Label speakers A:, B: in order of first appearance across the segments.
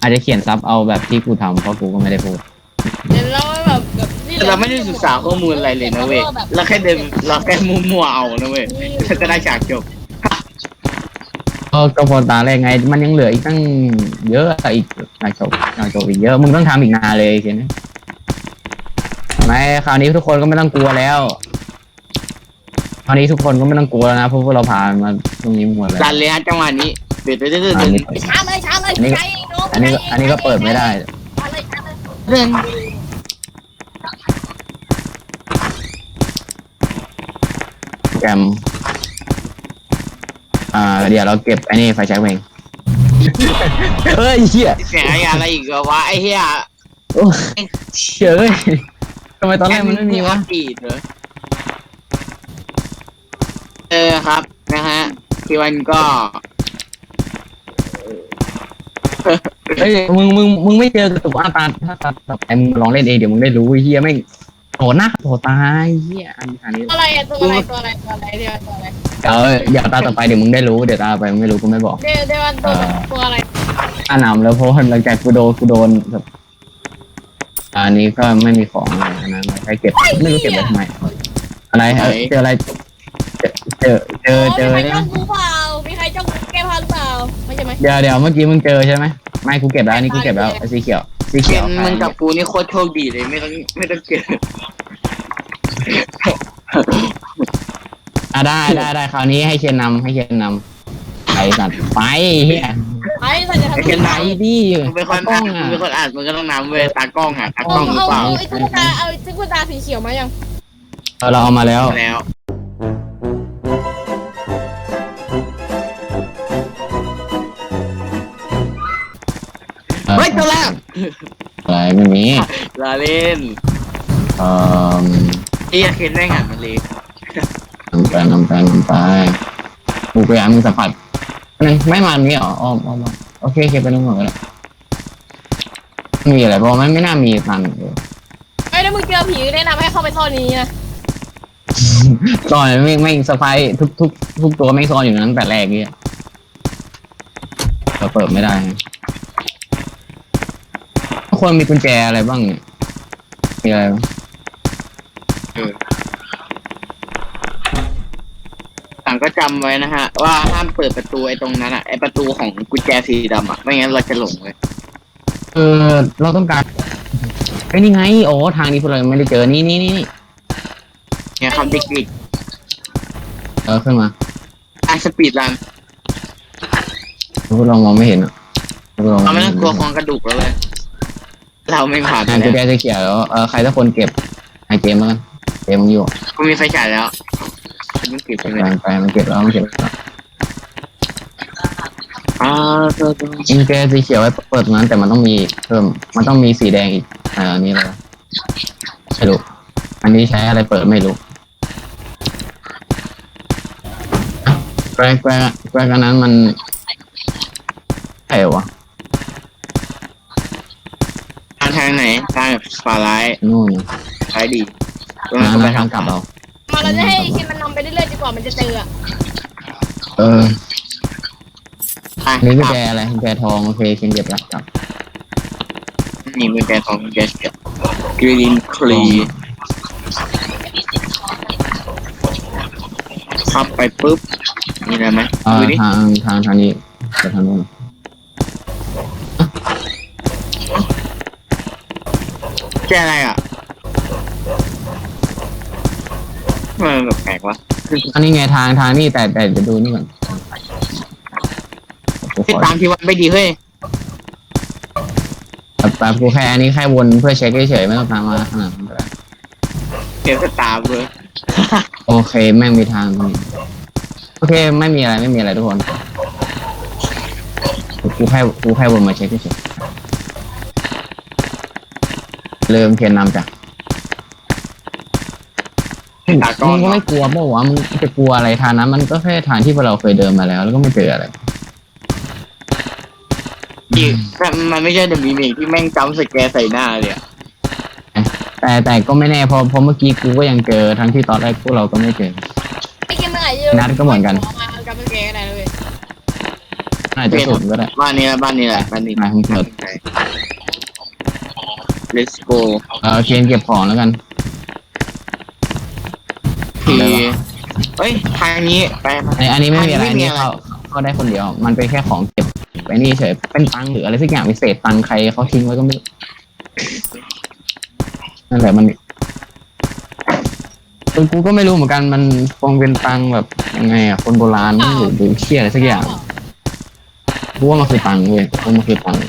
A: อาจจะเขียนซับเอาแบบที่กูทำเพราะกูก็ไม่ได้พูด
B: เดี๋ยวเราแบบนี่
C: เราไม่ได้ศึกษาข้อมูลอะไรเลยนะเว้ยเราแค่เดินเราแค่มั่วๆเอานะเว้ยแล้วก็ได้ฉากจบ
A: ก็พอตาแรกไงมันยังเหลืออีกตั้งเยอะอีกอยากจบอีกเยอะมึงต้องทำอีกนานเลยเช่นไม่คราวนี้ทุกคนก็ไม่ต้องกลัวแล้วคราวนี้ทุกคนก็ไม่ต้องกลัวแล้วนะเพราะพวกเราผ่านมาตรงนี้หมดแล้ว
C: รันเลยฮะจังหวะนี้เดือดเดือดเดือด
B: ช้าเลย
A: อันนี้ก็เปิดไม่ได้
C: เรื่อง
A: แกรมเดี๋ยวเราเก็บไอ้นี่ไฟแช็กเองเฮ้ยเหี้ย
C: เสียงอะไรอีกวะไอ้เหี้ย
A: โอ้เชื่อเลยทำไมตอนแรกมันไม่มีวะ
C: ปีดเลยครับนะฮะพี่วันก็
A: เฮ้ยมึงไม่เจอกระตุกตาถ้าไอ้มึงลองเล่นเองเดี๋ยวมึงได้รู้เฮียไม่โหนะโหตายเฮียอันนี้
B: อะไรอะตัวอะไรเดี๋ยวตัวอะไร
A: เดี๋ยวตาต่อไปเดี๋ยวมึงได้รู้เดี๋ยวตาต่อไปมึงไม่รู้กูไม่บอก
B: เดี๋ยวตัวอะไร
A: อ่านำแล้วเพราะหลังจากกูโดนแบบอันนี้ก็ไม่มีของอะไรนะใครเก็บไม่รู้เก็บไว้ทำไมอะไรเจออะไรเจอ
B: มีใคร
A: ใช่ไหม
B: จ้องกูเปล่ามีใครจ้องแก้ผ้าหรือเปล่าไม่ใช่ไหม
A: เดี๋ยวเมื่อกี้มึงเจอใช่ไหมไม่กูเก็บแล้วนี่กูเก็บแล้วสีเขียว
C: เคนมึงกับกูนี่โคตรโชคดีเลยไม่ต้องเกิด
A: ได้คราวนี้ให้เคนนำไปสัตว์ไปเฮีย
B: ไอ้สัญญาณ
C: เคน
A: ไป
C: นำ
A: ดิ
C: มึงเป็นคนอ่านมึงเป็นคนอ่านมึงก็ต้องนำเว้ยตากล้องตากล้องหรือเปล่า
B: ไอ้ตุ๊กตาเอาตุ๊กตาสีเขียวมายัง
A: เราเอามาแล้ว
C: แล้วเฮ้ยตัวแรก
A: อะไรไม่มี
C: ลาเล่น
A: เอ่อ
C: ไอ้เคนได้งานมันเลย
A: นำไปกูพยายามมึงสัมผัสไม่มันมีหรออ้อมโอเคไปนู่นก่อนก็ได้มีอะไรเพราะมันไม่น่ามีตัน
B: ไอ้ถ้ามึงเจอผีแนะนำให้เข้าไปซ่อนนี้นะ
A: ซ่อนไม่สไปทุกตัวไม่ซ่อนอยู่นั้นแต่แรกเนี่ยเราเปิดไม่ได้ทุกคนมีกุญแจอะไรบ้างเนี่ยมีอะไร
C: ต่างก็จำไว้นะฮะว่าห้ามเปิดประตูไอ้ตรงนั้นไอ้ประตูของกุญแจสีดำไม่งั้นเราจะหลงเลย
A: เราต้องการไอ้นี่ไงโอ้ทางนี้พวกเราไม่ได้เจอนี่
C: เนี่ยคำติกติก
A: ขึ้นมา
C: สปีดรัน
A: พวกเรามองไม่เห็นอ่ะ
C: เราไม่ต้องกลัวควงกระดูกแล้วเลยเราไม่ผ่าน
A: กุญแจจะเขียวแล้วใครสักคนเก็บให้เกมแล้วกันเกมมึงอยู่
C: กูมีไฟฉายแล้วมันเก็บไปเลย
A: ไปมันเก็บแล้วกุญแจสีเขียวไว้เปิดนั้นแต่มันต้องมีเพิ่มมันต้องมีสีแดงอีกอันนี้อะไรไม่รู้อันนี้ใช้อะไรเปิดไม่รู้แกรกอันนั้นมันใช่วะ
C: ทางไหนทางฝาร้าย
A: นู่น
C: ซ้ายดีตรงนั้นก็ไปทาง
A: กลับเรา
B: มาเราจะให้คิดมันนำไปเรื่อยๆจนกว่ามันจะเจอ
A: นี่กุญแจอะไรกุญแจทองโอเคเขียนเก็บแล้วกลับ
C: นี่กุญแจทองกุญแจเขียวกรีนคลีขับไปปุ๊บมีอะไรไหมดูดิ
A: ทางนี้ไปทางนู้น
C: แกอะไรมันแบบแปลกวะ
A: อันนี้ไงทางนี่แต่จะดูนี่ก่อน
C: ติดตามที่วัดไม่ดีเฮ้ย
A: แต่กูแค่อันนี้แค่วนเพื่อเช็คเฉยๆไม่ต้องตามมาขนาดนั้นก็ได้
C: เก็บสตาร์เลย
A: โอเคแม่งมีทางตรงนี้โอเคไม่มีอะไรทุกคนกูแค่วนมาเช็คเฉยๆเริ่มเขียนนำจ้ะมึงก็ไม่กลัวเปล่าวะมึงจะกลัวอะไรทางนั้นมันก็แค่ทางที่พวกเราเคยเดินมาแล้วก็ไม่เจออะไร
C: อีกมันไม่ใช่เดมีเมกที่แม่งจำสแกร์ใส่หน้าเลย
A: แต่ก็ไม่แน่เพราะเมื่อกี้กูก็ยังเจอทั้งที่ตอนแรกพวกเราก็ไม่เจอ
B: ไอ้คิดมันอาจจะ
A: นัดก็เหมือนกัน
B: กับมันแกอะไรเลย
A: ไหนอาจจะสุดก็ได้
C: บ้านนี้แหละบ้านนี้แหละบ้านนี้
A: มาคุณเถิด
C: Let's go
A: เคนเก็บของแล้วกัน
C: ทีเฮ้ยทางนี้ไป
A: อันนี้ไม่มีอะไร
C: ทาง
A: อันนี้เข้าได้คนเดียว มันเป็นแค่ของเก็บไปนี่เฉยเป็นตังค์หรืออะไรสักอย่างพิเศษตังค์ใครเขาทิ้งไว้ก็ไม่รู้นั่นแหละมันกูก็ไม่รู้เหมือนกันมันคงเป็นตังค์แบบยังไงอ่ะคนโบราณหรือดูเชี่ยอะไรสักอย่างกูว่ามันคือตังค์เว้ยกูว่ามันคือตังค์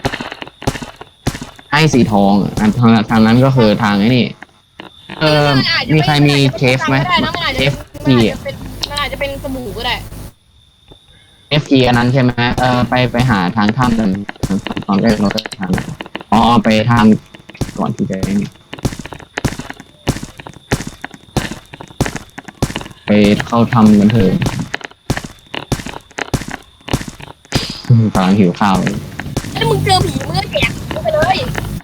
A: ให้สีทองอันทางนั้นก็คือทางไอ้นี่มีใครมีเคฟไหมเคฟที
B: มันอาจจะเป็นสบู่ก็ได้
A: FG อันนั้นใช่ไหมไปหาทางถ้ำกันตอนแรกเราก็ทางอ๋อไปทางก่อนที่จะนี่ไปเข้าถ้ำกันเถอะกำลังหิวข้าวเลย
B: ถ้ามึงเจอผีมึงก็แดกผีไปเลย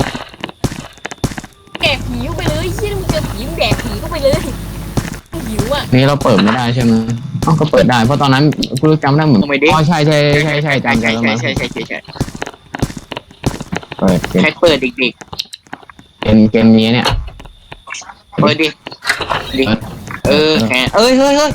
B: แดกผีไปเลยเชี่ยมึงเจอผีมึงแดกผีก็ไปเลยมึงหิวอ่ะ
A: นี่เราเปิดไม่ได้ใช่ไหมอ๋อก็เปิดได้เพราะตอนนั้นกูจำได้เหมือนอ๋อใช่จำได้แล้วมั้ง
C: ใช่
A: เปิด
C: ใครเปิดเด็ก
A: เกมนี้เนี่ย
C: ๆเปิดดิแค่เฮ้ย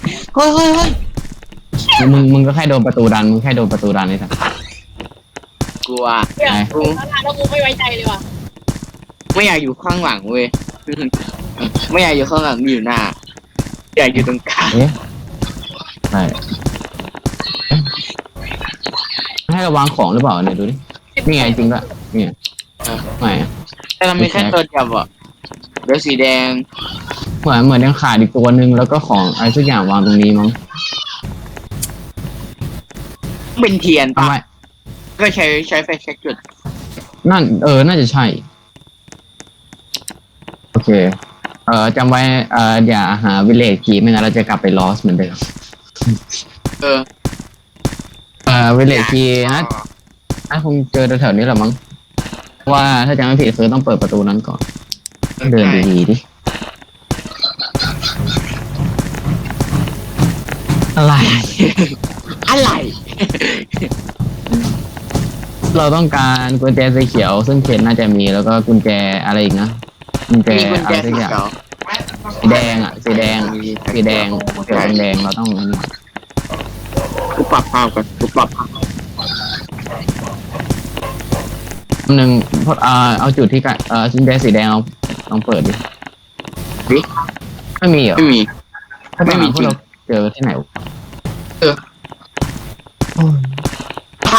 A: มึงก็แค่โดนประตูดันมึงแค่โดนประตูดันนี่สัก
C: กลัว
B: เนี่ยแล้วกูไม่ไว้ใจเลยว่ะ
C: ไม่อยากอยู่ข้างหลังเว้ยไม่อยากอยู่ข้างหลังอยู่หน้าอยากอยู่ตรงกลาง
A: ใช่ให้ระวังของหรือเปล่าเนี่ยดูดินี่ไงจริงก็เนี่ยไม่
C: แต่เรามีแค่ตัวเดียวอะเดี๋ยวสีแดง
A: เหมือนยังขาดอีกตัวหนึ่งแล้วก็ของอะไรสักอย่างวางตรงนี้มั้ง
C: เป็นเทียน
A: ทำ
C: ปะ
A: ไม
C: ก็ใช้ไฟแช็กจุด
A: นั่นน่าจะใช่โอเคจำไว้อย่าหาวิลเลจคีไม่งั้นเราจะกลับไปลอสเหมือนเดิมวิลเลจคีนะคงเจอแถวๆนี้แหละมั้งว่าถ้าจำไม่ผิดคือต้องเปิดประตูนั้นก่อนเดินดีๆดิอะไร เราต้องการกุญแจสีเขียวซึ่งเขตน่าจะมีแล้วก็กุญแจอะไรอีกนะกุญแจ
C: มีกุญ
A: อะ
C: แจ
A: ไรสั
C: สี
A: กอย่าง
C: เขียว
A: สีแดงสีแดงเขียวแดงเราต้องนี่
C: กูปรับภาพก่อนกูปรับภาพ
A: หนึ่งเอาจุดที่กันกุญแจสีแดงลองเปิดดิไม่มีเหรอ
C: ไม่มี
A: ไม่มีพวกเราเจอที่ไหน
C: ฮะ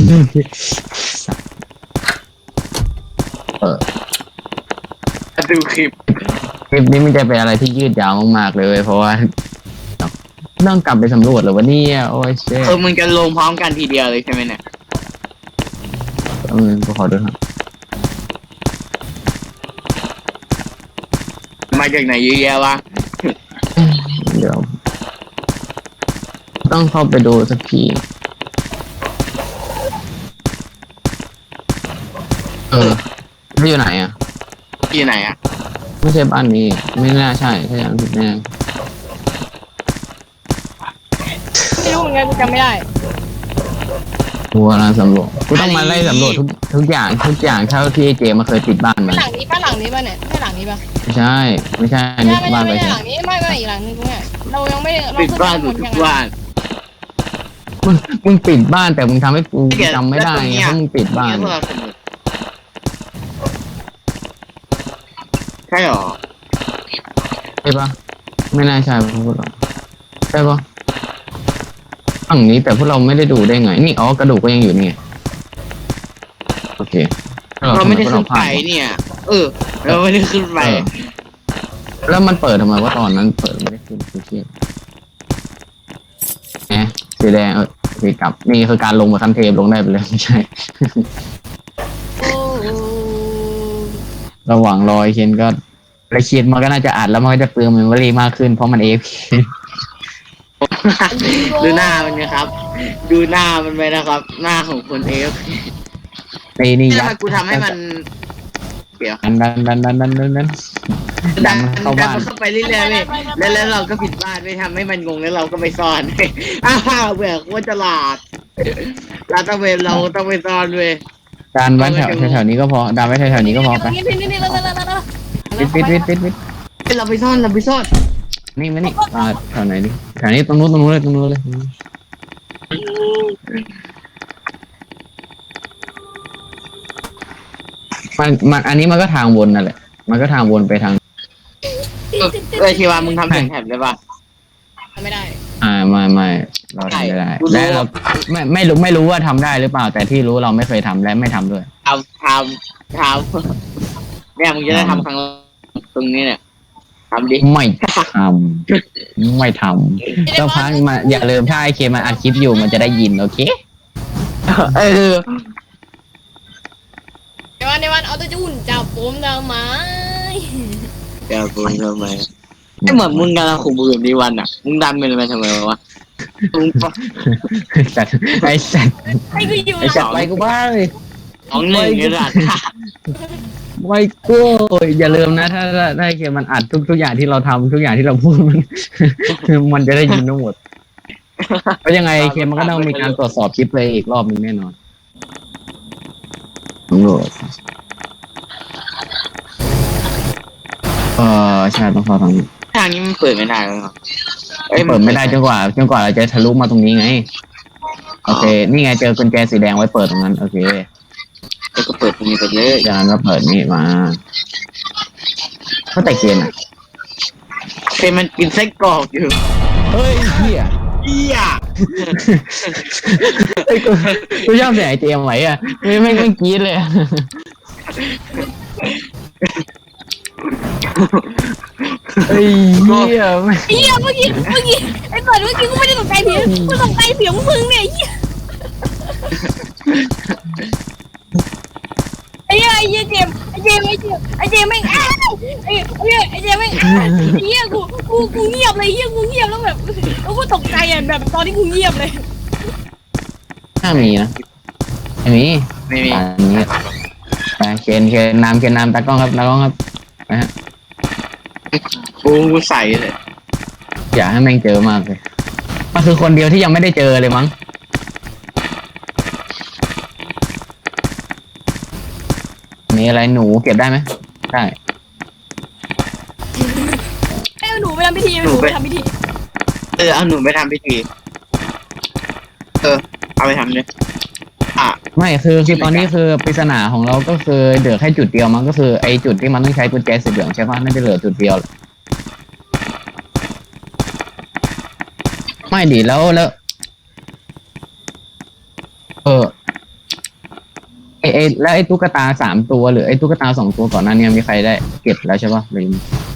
C: ดูคลิป
A: คลิปนี้มันจะเป็นอะไรที่ยืดยาวมากๆเลยเพราะว่าต้องกลับไปสำรวจหรือว่าเนี่ยโอ้ยเช่
C: มึงจะลงพร้อมกันทีเดียวเลยใช่ไหมเนี่ย
A: กูขอดูครับ
C: มาจากไหนเยอะแยะวะ
A: เดี๋ยวต้องเข้าไปดูสักทีไม่อยู่ไหนอ่ะ
C: ที่ไหนอ่ะ
A: ไม่ใช่บ้านนี้ไม่น่าใช่ถ้าอย่างผิดแน่
B: ไม่รู้เหมือนกันกูจำไม่ได้
A: กูกำลังสำรวจกูต้องมาไล่สำรวจทุกอย่างเท่าที่เจมาเคยปิดบ้านมา
B: หลังนี้ป่ะเนี่ยใช่หลังนี้ป่ะ
A: ไม่ใช่อันนี้บ้านไป
B: ไม่
A: ใช่
B: หลังนี้ไม่อีกหลังนึงกูเนี่ยเรายังไม่
C: ปิดบ้านหมดทุกบ้าน
A: มึงปิดบ้านแต่มึงทำให้กูจำไม่ได้ไงเพราะมึงปิดบ้าน
C: ใช่หรอ
A: ใช่ปะไม่น่าใช่พวกเราใช่ปะฝั่งนี้แต่พวกเราไม่ได้ดูได้ไงนี่กระดูกก็ยังอยู่นี่โอเค
C: เราไม่ได้ขึ้นไปเนี่ย เราไม่ได้ขึ้นไป
A: แล้วมันเปิดทำไมว่าตอนนั้นเปิดไม่ได้ขึ้นคือเชี่ยสีแดงสีกลับนี่คือการลงมาคันเทปลงได้ไปเลยไม่ใช่ ระหว่างรอยเคนก็ละเคียนมันก็น่าจะอัดแล้วมันก็จะเปลืองเมมโมรี่มากขึ้นเพราะมัน AFK
C: ดูหน้ามันนะครับ ดูหน้ามันไปนะครับ หน้าของคน
A: ในนี่ยั
C: ถ้ากูทำให้มันเดี๋ยว
A: ดันเข้าบ้าน
C: เข้าไปเรื่อยๆเลยแล้วเราก็ผิดบ้านไม่ทำให้มันงงแล้วเราก็ไปซ่อน อ้าวเบื่อโคตรฉลาดลาดตระเวนเราต้องไปซ่อนเว้ย
A: การไว้แถวนี้ก็พอดามไว้แถวนี้ก็พอไป
B: นี่แล้ว
A: ปิด
C: เราไปซ่อนเราไปซ่อน
A: นี่มานี่แถวไหนดิแถวนี้ตรงนู้นเลยมันอันนี้มันก็ทางวนนั่นแหละมันก็ทางวนไปทาง
C: ชีวามึงทำเสียงแถบได้ปะ
B: ไม่ได้
A: ไม่เราทำไม่ได้และเราไม่รู้ว่าทำได้หรือเปล่า แต่ที่รู้เราไม่เคยทำและไม่ทำด้วย
C: ทำเนี่ยมึงจะได้ทำครั้งตรงนี้เนี่ยทำดิ
A: ไม่ทำเจ้าพังมาอย่าลืมถ้าไอเคมันอัดคลิปอยู่มันจะได้ยินโอเค
B: ในวันเอาตัวจุ่นจับผมทำไม
C: เดี๋ยวมึงทำไมไม่เหมือนมึงกำลังขู่มือแบบนี้วันอ่ะมึงดันไปทำไมวะมึง
A: สัตว์ไอสัตว์
B: ไอ้กูอยู่
A: ไอสัตว์ไปกูบ้าง
C: 2-1นี่แหละ
A: ไม่กูอย่าลืมนะถ้าไอเคมันอัดทุกอย่างที่เราทำทุกอย่างที่เราพูดมันจะได้ยินทั้งหมดเพราะยังไงเคมันก็ต้องมีการตรวจสอบคลิปเลยอีกรอบนึงแน่นอนตำรวจใช่ต้องเข้าทางนี้
C: ทางนี้มันเปิดไม่ได้หรอ
A: เปิดไม่ได้จนกว่าเราจะทะลุมาตรงนี้ไงโอเคนี่ไงเจอกุญแจสีแดงไว้เปิดตรงนั้นโอเค
C: ก็เปิดตรงนี้ไปเลย
A: จากนั้นก็เปิดนี่มาก็แต่เกมอ่ะ
C: เป็นมันกินไส้กรอกอยู่
A: เฮ้ยเฮีย
C: เอี้ย
A: ไอ้กูชอบเสียงไอเจมไว้อ่ะไม่กรี๊ดเลยเฮ้ยเฮียไม่
B: เฮียเมื่อกี้ไอ้เปิดเมื่อกี้กูไม่ได้ตกใจเสียงกูตกใจเสียงมึงเนี่ยไอ้เจมแม่งไอ้เจมแม่งเฮียกูเงียบเลยเฮียกูเงียบแล้วแบบแล้วกูตกใจอ่ะแบบตอนที่กูเงียบเลย
A: น่ามีนะไม่มี
C: ไม่มี
A: อันนี้ไปเคนน้ำตากล้องครับนะฮะ
C: กูใส่เลย
A: อยากให้แม่งเจอมากเลยมันคือคนเดียวที่ยังไม่ได้เจอเลยมั้งมีอะไรหนูเก็บได้ไหมได้
B: ไอ้หนูไปทำพิธีหนูไปทำพิธี
C: เอาหนูไปทำพิธีเอาไปทำเลย
A: ไม่คือตอนนี้คือปริศนาของเราก็คือเหลือแค่จุดเดียวมั้งก็คือไอจุดที่มันต้องใช้กุญแจสีเหลืองใช่ปะน่าจะเหลือจุดเดียวไม่ดีแล้วแล้วแล้วไอ้ตุ๊กตา3 ตัวหรือไอ้ตุ๊กตา2 ตัวก่อนหน้านี้มีใครได้เก็บแล้วใช่ปะหรือ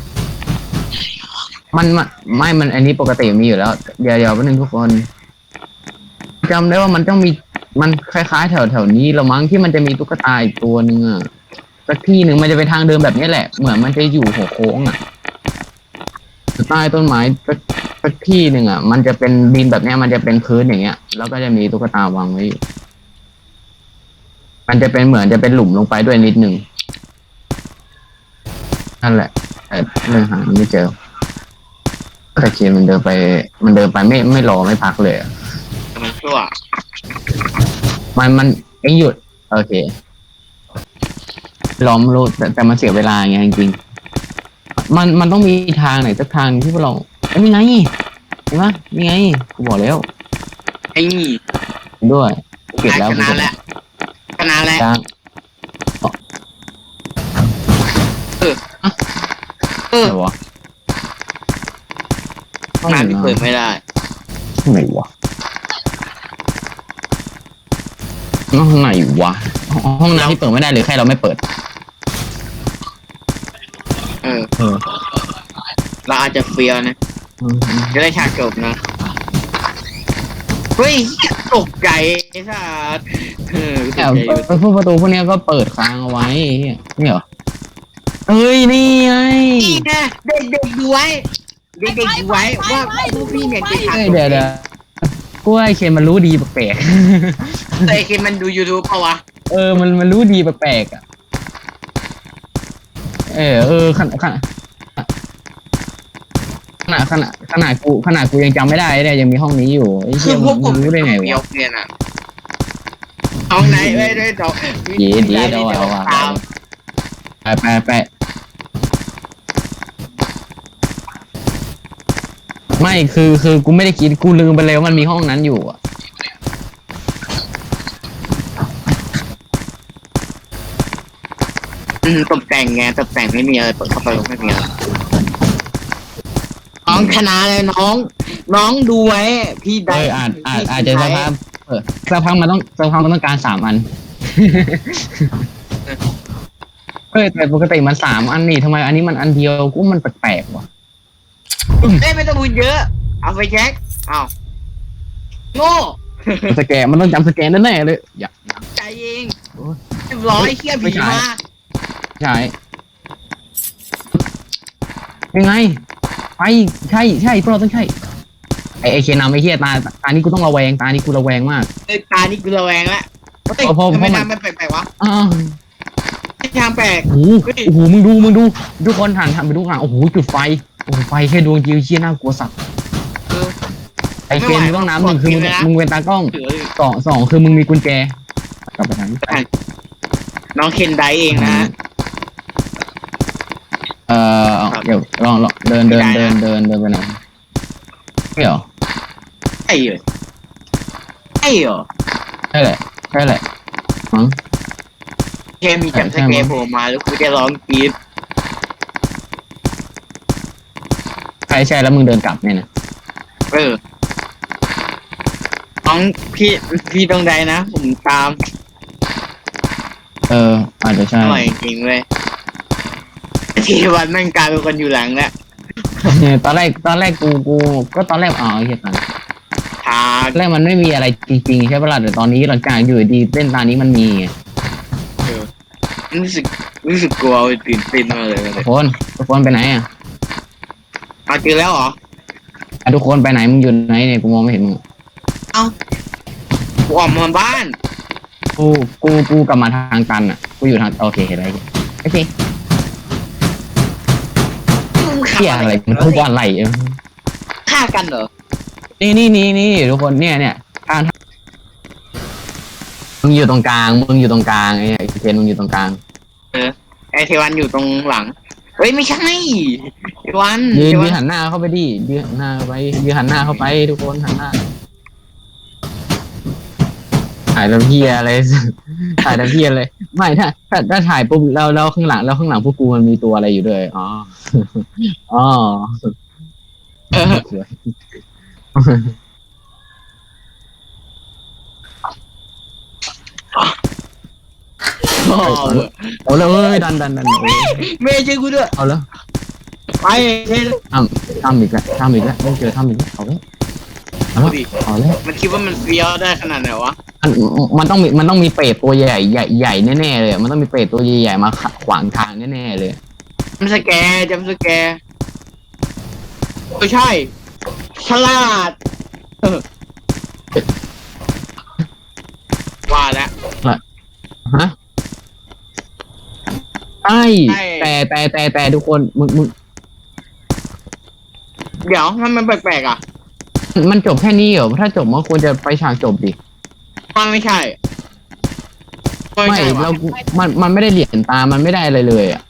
A: มันอันนี้ปกติมีอยู่แล้วเดี๋ยวแป๊บนึงทุกคนจำได้ว่ามันต้องมีมันคล้ายๆแถวนี้ละมั้งที่มันจะมีตุ๊กตาอีกตัวนึงอ่ะสักที่หนึ่งมันจะไปทางเดิมแบบนี้แหละเหมือนมันจะอยู่หัวโค้งอ่ะใต้ต้นไม้สักที่หนึ่งอ่ะมันจะเป็นดินแบบนี้มันจะเป็นพื้นอย่างเงี้ยแล้วก็จะมีตุ๊กตาวางไว้อยู่มันจะเป็นเหมือนจะเป็นหลุมลงไปด้วยนิดนึงนั่นแหละแต่เรื่องหาไม่เจอแต่เคียมันเดินไปไม่รอไม่พักเลย
C: มันชั่ว
A: มันเอ็งหยุดโอเคล้อมรู้แต่มันเสียเวลาไงจริงๆมันต้องมีทางไหนสักทางที่พวกเรานี่ไงเห็นไหมนี่ไงกูบอกแล้ว
C: ไอ้นี่
A: ด้วยเก็บแล้ว
C: ชนะแล้ว
A: จ้างอะไรวะ
C: ห้องน้ำที่เปิดไม่ได้
A: ไหนวะห้องไหนวะห้องน้ำที่เปิดไม่ได้หรือแค่เราไม่เปิด
C: เราอาจจะเฟี้ยวนะจะได้ฉากจบนะเฮ้ยตกใจไอ้สัส
A: พวกประตูพวกนี้ก็เปิดค้างเอาไว้เนี่ยเหรอเอ้ยนี่ไง
C: นี่นะเด็กๆดูไว้ว่าพวกพี่เนี่ยจะฉากจบ
A: เดี๋ยวกูว่าไอเคนมันรู้ดีแปลก
C: แต่ไอ้เคนมันดู YouTube เปล่าวะ
A: มันรู้ดีแปลกอ่ะขนาดกูยังจำไม่ได้เนี่ยยังมีห้องนี้อยู่ไอ้เหี้ยมึงรู้ได้ไงวะ
C: เนี่ยนะเอาไหนไม่ได้ดอก
A: เดี๋ยวเอาว่ะ
C: ตาม
A: ไปไม่คือกูไม่ได้คิดกูลืมไปเลยว่ามันมีห้องนั้นอยู่อ่ะ
C: ตกแต่งไงตกแต่งไม่มีอะไรเปิดเข้าไปไม่มีอะไรน้องชนะเลยน้องดูไว้พี่ได้
A: อาจจะสักพักสักพักมันต้องการ3 อัน แต่ปกติมัน3 อันนี่ทำไมอันนี้มันอันเดียวกูมันแปลกๆว่ะ
C: ไม่ต้องพูดเยอะเอาไปแจ็คเอาโง่
A: สแกนมันต้องจำสแกนแน่ๆเลยอย่า
C: ใจเองเรียบร้อยเขี้ยผีมา
A: ใช่ยังไงไปใช่พวกเราต้องใช่ไอเคนำไอเฮียตานี้กูต้องระแวงตานี้กูระแวงมาก
C: ตานี่กูระแวงแล้วทำไมทำมันแปลกๆวะ
A: อ้าว
C: ไม่ทางแปลก
A: โอ้โหมึงดูทุกคนหันไปดูข้างโอ้โหจุดไฟโอ้โหไฟแค่ดวงเดียวเชี่ยน่ากลัวสัตว์ไอเคนมึงต้องน้ำ1คือมึงเป็นตากล้อง2คือมึงมีกุญแจกลับไปทางนี้
C: น้องเคนไดเองนะ
A: เดี๋ยวลองเดินไปไหนไม่เหรอ
C: ไอ้เหรอ
A: ใช่แหละมั้ง
C: แค่มีจับสเกปโผล่มาแล้วกูจะร้องกรี๊ด
A: ใช่แล้วมึงเดินกลับเนี่ยนะ
C: น้องพี่ตรงใดนะผมตาม
A: อาจจะใช่
C: อร่อยจริงเว้ยทีวันแม่งกลายเป็นคนอยู่หลังแล้ว
A: ตอนแรกกูก็ตอนแรกไอ้เหี้ยตอน
C: ทา
A: แรกมันไม่มีอะไรจริงๆใช่ปะล่ะแต่ตอนนี้หลังจากอยู่ดีเส้นตานี้มันมีไง
C: รู้สึกกลัวตื่นเต้นมากเลย
A: ทุกคนไปไหนอ่ะ
C: มาเจอแล้วเหรอ
A: ทุกคนไปไหนมึงอยู่ไหนเนี่ยกูมองไม่เห็นมึง
C: กูออกมาบ้าน
A: กูกลับมาทางตันอ่ะกูอยู่ทางโอเคเห็นอะไรโอเคเหี้ยอะไรมันทุกวันไหล
C: ฆ่ากันเหรอ
A: นี่ทุกคนเนี่ยทางมึงอยู่ตรงกลางไอ้เคนมึงอยู่ตรงกลาง
C: ไอเทวันอยู่ตรงหลังเฮ้ยไม่ใช่เทวัน
A: ยืนหันหน้าเข้าไปดิยืนหันหน้าเข้าไปทุกคนหันหน้าถ่ายทำเพี้ยอะไรไม่ถ้าถ่ายปุ๊บแล้วข้างหลังพวกกูมันมีตัวอะไรอยู่ด้วยอ๋อสวยเอาเลยดัน
C: ไม่ใช่กูด้วย
A: เอาแล้ว
C: ไป
A: ทำอีกแล้วไม่เจอทำอีกแล้วเอาแล้ว
C: มันคิดว่ามันเฟี้ยวได้ขนาดไหนวะ
A: มันต้องมีเปรตตัวใหญ่แน่ๆเลยมันต้องมีเปรตตัวใหญ่ๆมาขวางทางแน่ๆเลย
C: จำสแกไม่ใช่ฉลาดว่าแล้ว
A: ฮะใช่แต่ทุกคนมึง
C: เดี๋ยวมันแปลกๆอ่ะ
A: มันจบแค่นี้เหรอถ้าจบมันควรจะไปฉากจบดิ
C: ไม่ใช่
A: ไม่เรามันไม่ได้เหรียญตามันไม่ได้อะไรเลยอ่ะ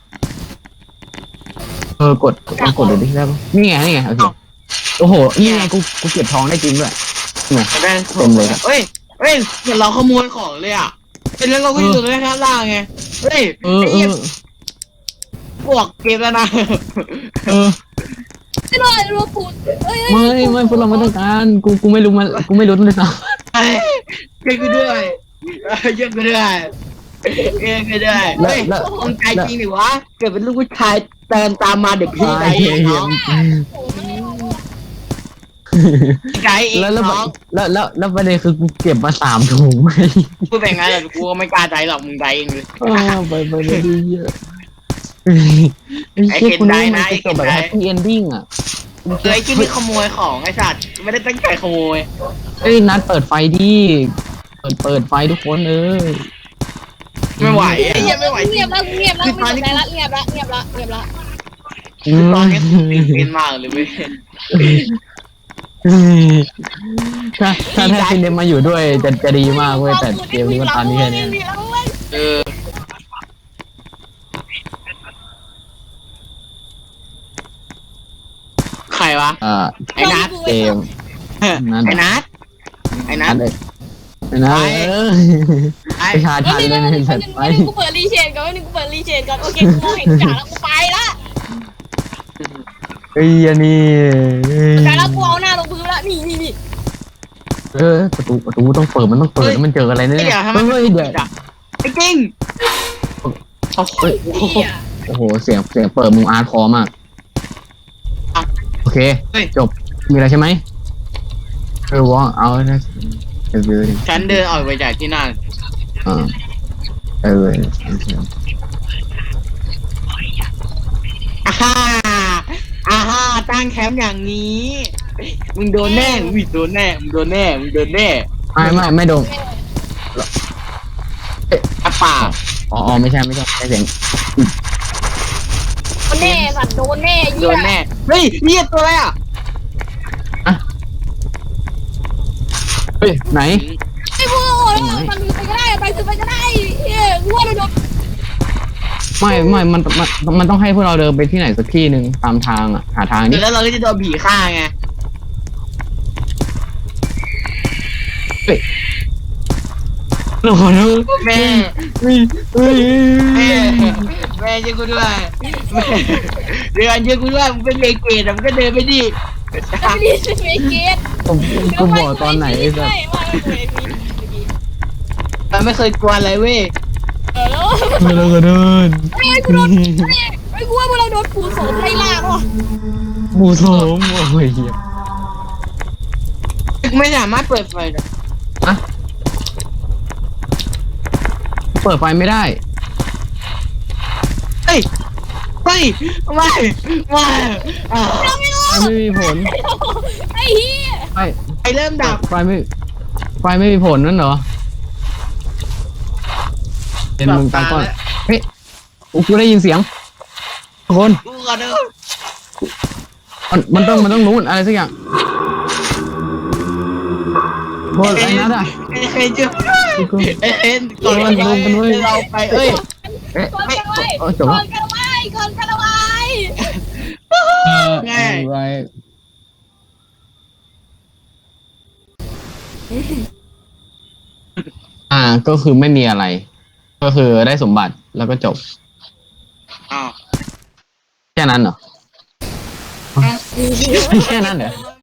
A: กดดูดิได้ปะนี่ไงโอเคโอ้โหนี่ไงกูเก็บทองได้จริงด้วยเนี่ย
C: ได้
A: เต็มเลย
C: เฮ้ยเห็นเราขโมยของเลยอ่ะเป็นแล้วเราก็อยู่ตรงข้างล่างไงเฮ้ยบวกเกมแล้วนะ
B: ไม่รอดรัวปูด
A: ไม่พวกเราไม่ต้องการกูไม่รู้เลยซ้ำ
C: เก่งกูด้วยเก่งกูด้วยเฮ้ยคนใจจริงหรือวะเกิดเป็นลูกผู้ชายเดินตามมาเด็กพี่ไก่น้องไก่เองน้อง
A: แล้วประเด็นคือกูเก็บมา3 ถุงไม่
C: พูดแบบนั้นแต่กูก็ไม่กล้าใจหรอกมึงใจเองเลย
A: ไปดีเยอะไอ้เคนได้นะไอ้เคนแบบแฮปปี้เอนดิ้งอ่ะ
C: ไอ้ที่นี่ขโมยของไอ้สัตว์ไม่ได้ตั้งใจขโมย
A: นัดเปิดไฟดิเปิดไฟทุกคน
C: ไม่ไหวไอ้เหี้ยไม่ไหวจริ
B: เงีย
C: ง
B: บแล้วเงียบแล้ว
C: ตอนนี้เป็นมากเลยเว้ย
A: ถ้าซินเดมมาอยู่ด้วยจะดีมากเว้ยแต่เกมนี้มันตอนนี้แค่เนี้ย
C: เออใครวะ ไอ้นัท
A: เกม
C: ไอ้นัทไอ้นัท
A: ไอ้นัท
C: ไอ้
A: ไปชาชันเลยนะสัตว์ไป
B: กูเปิดรีเชนก่อนกูเปิดรีเชนก่อนโอเคกูมองเห็นจ่าแล้วกูไปละ
A: ไอ้ยันนี่
B: จ่าแล้วกูเอาหน้าลงพื้นละนี่
A: ประตูต้องเปิดมันต้องเปิดแล้วมันเจออะไรเนี่ย
C: เดี๋ยวทำไม
A: เฮ้ยเดี๋ยว
C: ไอ้จริงโอ้โห
A: โอ้โหเสียงเปิดมึงอาร์ตคอมากโอเคจบมีอะไรใช่ไหมว่าเอานะเ
C: ฉันเดินออกไปจากที่นั่น อ่าฮ่าอ่าฮ่าตั้งแคมป์อย่างนี้ มึงโดนแน่มึงโดนแน่มึงโดนแน่มึงโดนแน่
A: ไม่โดน
C: อะป่า
A: อ๋อไม่ใช่เสียง
B: โดนแน่สัตว์โดนแน่
C: โดนแน่เฮ้ยเรียกตัวอะไรอ่ะ
A: เฮ้ยไหน
B: ไอ้พวกมันไปก็ได้ไปคือไปก็ได้เฮ้ยกูว่าเราโดน
A: ไม่มันต้องให้พวกเราเดินไปที่ไหนสักที่หนึ่งตามทางอ่ะหาทางนี้
C: แล้วเราก็จะโดนผีฆ่าไง
A: โอ้โห
C: แม่ แม่แม่ช่วยกูด้วยแม่เดือนช่วยกูด้วยมึงเป็นเมเกตมึงก็เดินไปดิ
B: ไม่ดีไม่เก็ต
A: กูบอกตอนไหนไอ้สัส
C: มันไม่เคยกลัวอะไรเว้ย
B: แล้ว
A: ไม่เราก็เดิน
B: ไอ้กูโดนไอ้กูว่าเราโดนปูโสมไล่ล่าว่ะ
A: บูโสมโอ้ย
C: ไม่สามารถเปิดไฟได้
A: อะเปิดไฟไม่ได้
C: เฮ้ยไม่อ่า
B: เราไม่รู้
A: ไม่มีผล
B: ไอ้เหี้ย
C: ไอเริ่มดับ
A: ไฟไม่มีผลนั่นเหรอเป็นมึงตามก่อนเฮ้ยกูได้ยินเสียงทุกคน
C: กูก่อนเด้อ
A: มันต้องรู้อะไรสักอย่างโคนไอ้นัทอ่ะ
C: เอ็นจุ๊บเอ็นก่อนเราไปเอ้ย
B: ก่อนกันไว้ก่อนกันไว้ก่อนกันไว้
A: ไรก็คือไม่มีอะไร ก็คือได้สมบัติแล้วก็จบ
C: อ้าว
A: แค่นั้นเหรอแค่นั้นเหรอ